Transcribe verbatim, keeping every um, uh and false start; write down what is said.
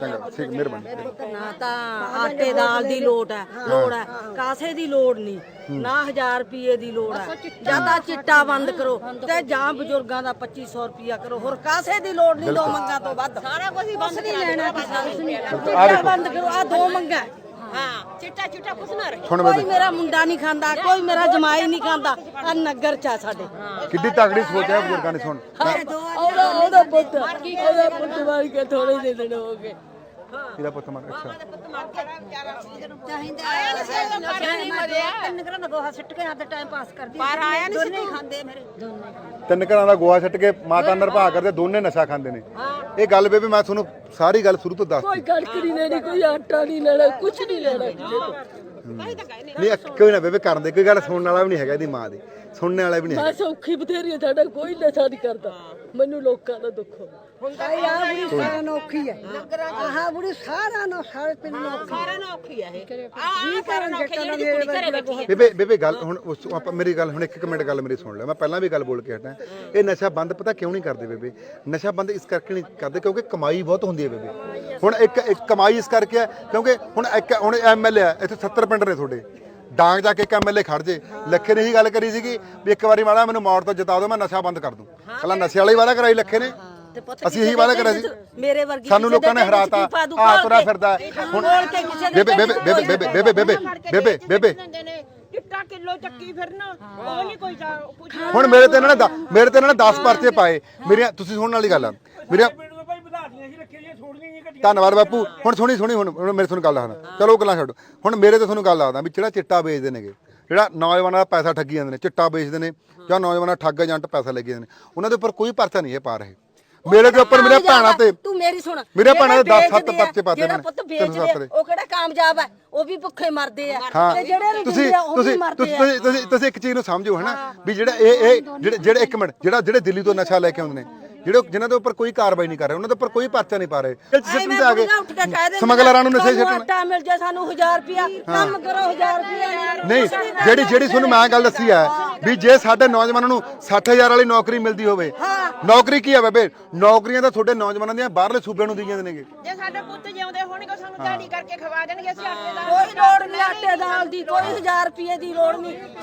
ठीक मेहरबानी ना ता आटे दाल दी लोड़ है लोड़ है कासे दी लोड़ नहीं ना हजार रुपये दी लोड़ है ज्यादा चिट्टा बंद करो ते जां बुजुर्गां दा पच्चीस सौ रुपया करो होर कासे दी लोड़ नहीं दो मंगा तो वध सारा कुछ बंद नहीं लेना चिट्टा बंद करो आ दो मंगा हाँ चिट्टा चिट्टा कुछ ना रहे कोई मेरा मुंडा नहीं खांदा कोई मेरा जमाई नहीं खांदा आ नगर चा साडे किड्डी तगड़ी सोच है बुजुर्गां ने सुन ओदा ओदा पुੱਤ ओदा पुੱਤ मार के थोड़े जे दिन हो गए ਇਹਦਾ ਪੁੱਤ ਮਰ ਅੱਛਾ ਚਾਹੀਦਾ ਆਇਆ ਨਹੀਂ ਮਰਿਆ ਤਿੰਨ ਘਰਾਂ ਦਾ ਗੋਹਾ ਸਿੱਟ ਕੇ ਆਪਦਾ ਟਾਈਮ ਪਾਸ ਕਰਦੀ ਪਰ ਆਇਆ ਨਹੀਂ ਦੋਨੇ ਖਾਂਦੇ ਮੇਰੇ ਦੋਨੇ ਤਿੰਨ ਘਰਾਂ ਦਾ ਗੋਹਾ ਛੱਟ ਕੇ ਮਾਤਾ ਨਿਰਭਾ ਕਰਦੇ ਦੋਨੇ ਨਸ਼ਾ ਖਾਂਦੇ ਨੇ ਇਹ ਗੱਲ ਬੇਬੇ ਮੈਂ ਤੁਹਾਨੂੰ ਸਾਰੀ ਗੱਲ ਸ਼ੁਰੂ ਤੋਂ ਦੱਸ ਕੋਈ ਕਣਕ ਨਹੀਂ ਲੈਣੀ ਕੋਈ ਆਟਾ ਨਹੀਂ ਲੈਣਾ ਕੁਝ ਨਹੀਂ ਲੈਣਾ ਕਿਸੇ ਤੋਂ ਨਹੀਂ ਕੋਈ ਨਾ ਬੇਬੇ ਕਰਨ ਦੇ ਕੋਈ ਗੱਲ ਸੁਣਨ ਵਾਲਾ ਵੀ ਨਹੀਂ ਹੈਗਾ ਇਹਦੀ ਮਾਂ ਦੀ ਸੁਣਨੇ ਵਾਲਾ ਵੀ ਨਹੀਂ ਮੈਂ ਸੌਖੀ ਬਥੇਰੀ ਸਾਡਾ ਕੋਈ ਨਸ਼ਾ ਨਹੀਂ ਕਰਦਾ ਮੈਨੂੰ ਲੋਕਾਂ ਦਾ ਦੁੱਖ ਹੁੰਦਾ ਆ ਬੁੜੀ ਸਾਰਾ ਨੌਖੀ ਹੈ ਆਹ ਬੁੜੀ ਸਾਰਾ ਨੌ ਸਾਰੇ ਪਿੰਡ ਨੌਖੀ ਸਾਰਾ ਨੌਖੀ ਹੈ ਇਹ ਆਹ ਸਾਰਾ ਨੌਖੀ ਜਿਹੜੀ ਘਰੇ ਬੈਠੀ ਹੈ ਬੇਬੇ ਬੇਬੇ ਗੱਲ ਹੁਣ ਉਸ ਆਪਾਂ ਮੇਰੀ ਗੱਲ ਹੁਣ ਇੱਕ ਇੱਕ ਮਿੰਟ ਗੱਲ ਮੇਰੀ ਸੁਣ ਲੈ ਮੈਂ ਪਹਿਲਾਂ ਵੀ ਗੱਲ ਬੋਲ ਕੇ ਹਟਾਂ ਇਹ ਨਸ਼ਾ ਬੰਦ ਪਤਾ ਕਿਉਂ ਨਹੀਂ ਕਰਦੇ ਬੇਬੇ ਨਸ਼ਾ ਬੰਦ ਇਸ ਕਰਕੇ ਨਹੀਂ ਕਰਦੇ ਕਿਉਂਕਿ ਕਮਾਈ ਬਹੁਤ ਹੁੰਦੀ ਹੈ ਬੇਬੇ ਹੁਣ ਇੱਕ ਇੱਕ ਕਮਾਈ ਇਸ ਕਰਕੇ ਹੈ ਕਿਉਂਕਿ ਹੁਣ ਇੱਕ ਹੁਣ ਐਮਐਲਏ ਆ ਇੱਥੇ ਸੱਤਰ ਪਿੰਡ ਨੇ ਤੁਹਾਡੇ ਡਾਂਗ ਜਾ ਕੇ ਇੱਕ ਐਮਐਲਏ ਖੜ ਜੇ ਲੱਖੇ ਨੇ ਇਹੀ ਗੱਲ ਕਰੀ ਸੀਗੀ ਵੀ ਇੱਕ ਵਾਰੀ ਮਾੜਾ ਮੈਨੂੰ ਮੌੜ ਤੋਂ ਜਿਤਾ ਦਿਓ ਮੈਂ ਨਸ਼ਾ ਬੰਦ ਕਰ ਦੂੰ ਪਹਿਲਾਂ ਨਸ਼ੇ ਵਾਲੀ ਵਾਅਦਾ ਕਰਾਈ ਲੱਖੇ ਨੇ ਅਸੀਂ ਇਹੀ ਵਾਅਦਾ ਕਰਿਆ ਸੀ ਮੇਰੇ ਵਰਗੀ ਸਾਨੂੰ ਲੋਕਾਂ ਨੇ ਹਰਾਤਾ ਆ ਤੁਰਾ ਫਿਰਦਾ ਹੁਣ ਬੇਬੇ ਬੇਬੇ ਬੇਬੇ ਬੇਬੇ ਬੇਬੇ ਬੇਬੇ ਬੇਬੇ ਚਿੱਟਾ ਕਿਲੋ ਚੱਕੀ ਫਿਰਨਾ ਉਹ ਨਹੀਂ ਕੋਈ ਹੁਣ ਮੇਰੇ ਤੇ ਇਹਨਾਂ ਨੇ ਮੇਰੇ ਤੇ ਇਹਨਾਂ ਨੇ ਦਸ ਪਰਚੇ ਪਾਏ ਮੇਰੀਆਂ ਤੁਸੀਂ ਸੁਣਨ ਵਾਲੀ ਗੱਲ ਆ ਮੇਰੀਆਂ ਧੰਨਵਾਦ ਬਾਪੂ ਹੁਣ ਸੁਣੀ ਸੁਣੀ ਹੁਣ ਮੇਰੇ ਤੁਹਾਨੂੰ ਗੱਲ ਦੱਸਦਾ ਚਲੋ ਗੱਲਾਂ ਛੱਡੋ ਹੁਣ ਮੇਰੇ ਤੇ ਤੁਹਾਨੂੰ ਗੱਲ ਦੱਸਦਾ ਵੀ ਜਿਹੜਾ ਚਿੱਟਾ ਵੇਚਦੇ ਨੇਗੇ ਜਿਹੜਾ ਨੌਜਵਾਨਾਂ ਦਾ ਪੈਸਾ ਠੱਗੀ ਜਾਂਦੇ ਨੇ ਚਿੱਟਾ ਵੇਚਦੇ ਨੇ ਜਾਂ ਨੌਜਵਾਨਾਂ ਠੱਗ ਏਜੰਟ ਪੈਸਾ ਲੈ ਕੇ ਜਾਂਦੇ ਨੇ ਉਹਨਾਂ ਦੇ ਉੱਪਰ ਕੋਈ ਪਰਚਾ ਨਹੀਂ ਇਹ ਪਾ ਰਹੇ ਮੇਰੇ ਦੇ ਉੱਪਰ ਮੇਰੇ ਭੈਣਾਂ ਤੇ ਤੂੰ ਮੇਰੀ ਸੁਣ ਮੇਰੇ ਭੈਣਾਂ ਦੇ ਦਸ ਸੱਤ ਪਰਚੇ ਪਾਤੇ ਜਿਹੜਾ ਪੁੱਤ ਵੇਚਦੇ ਉਹ ਕਿਹੜਾ ਕਾਮਯਾਬ ਹੈ ਉਹ ਵੀ ਭੁੱਖੇ ਮਰਦੇ ਆ ਤੇ ਜਿਹੜੇ ਤੁਸੀਂ ਤੁਸੀਂ ਤੁਸੀਂ ਤੁਸੀਂ ਤੁਸੀਂ ਇੱਕ ਚੀਜ਼ ਨੂੰ ਸਮਝੋ ਹਨਾ ਵੀ ਜਿਹੜਾ ਇਹ ਇਹ ਜਿਹੜੇ ਜਿਹੜੇ ਇੱਕ ਮਿੰਟ ਜਿਹੜਾ ਜਿਹੜੇ ਦਿੱਲੀ ਤੋਂ ਨਸ਼ਾ ਲੈ ਕੇ ਆਉਂਦੇ ਨੇ ਜਿਹੜੇ ਜਿਨ੍ਹਾਂ ਦੇ ਉੱਪਰ ਕੋਈ ਕਾਰਵਾਈ ਨਹੀਂ ਕਰ ਰਹੇ ਉਹਨਾਂ ਦੇ ਉੱਪਰ ਕੋਈ ਪਰਚਾ ਨਹੀਂ ਪਾ ਰਹੇ ਸਿਸਟਮ ਤੇ ਆ ਗਏ ਸਮਗਲਰਾਂ ਨੂੰ ਨਸ਼ੇ ਛੱਡਣ ਆਟਾ ਮਿਲ ਜਾ ਸਾਨੂੰ ਹਜ਼ਾਰ ਰੁਪਿਆ ਕੰਮ ਕਰੋ ਹਜ਼ਾਰ ਰੁਪਿਆ ਨਹੀਂ ਜਿਹੜੀ ਜਿਹੜੀ ਤੁਹਾਨੂੰ ਮੈਂ ਗੱਲ ਦੱਸੀ ਹੈ ਵੀ ਜੇ ਸਾਡੇ ਨੌਜਵਾਨਾਂ ਨੂੰ ਸੱਠ ਹਜ਼ਾਰ ਵਾਲੀ ਨੌਕਰੀ ਮਿਲਦੀ ਹੋਵੇ ਨੌਕਰੀ ਕੀ ਹੈ ਬੇਬੇ ਨੌਕਰੀਆਂ ਤਾਂ ਤੁਹਾਡੇ ਨੌਜਵਾਨਾਂ ਦੀਆਂ ਬਾਹਰਲੇ ਸੂਬਿਆਂ ਨੂੰ ਦਈਆਂ ਨੇ ਜੇ ਸਾਡੇ ਪੁੱਤ ਜਿਉਂਦੇ ਹੋਣਗੇ ਸਾਨੂੰ ਦਿਹਾੜੀ ਕਰਕੇ ਖਵਾ ਦੇਣਗੇ ਅਸੀਂ ਆਟੇ ਦਾ ਕੋਈ ਲੋੜ ਨਹੀਂ ਆਟੇ ਦਾਲ ਦੀ ਕੋਈ ਹਜ਼ਾਰ ਰੁਪਏ ਦੀ ਲੋੜ ਨਹੀਂ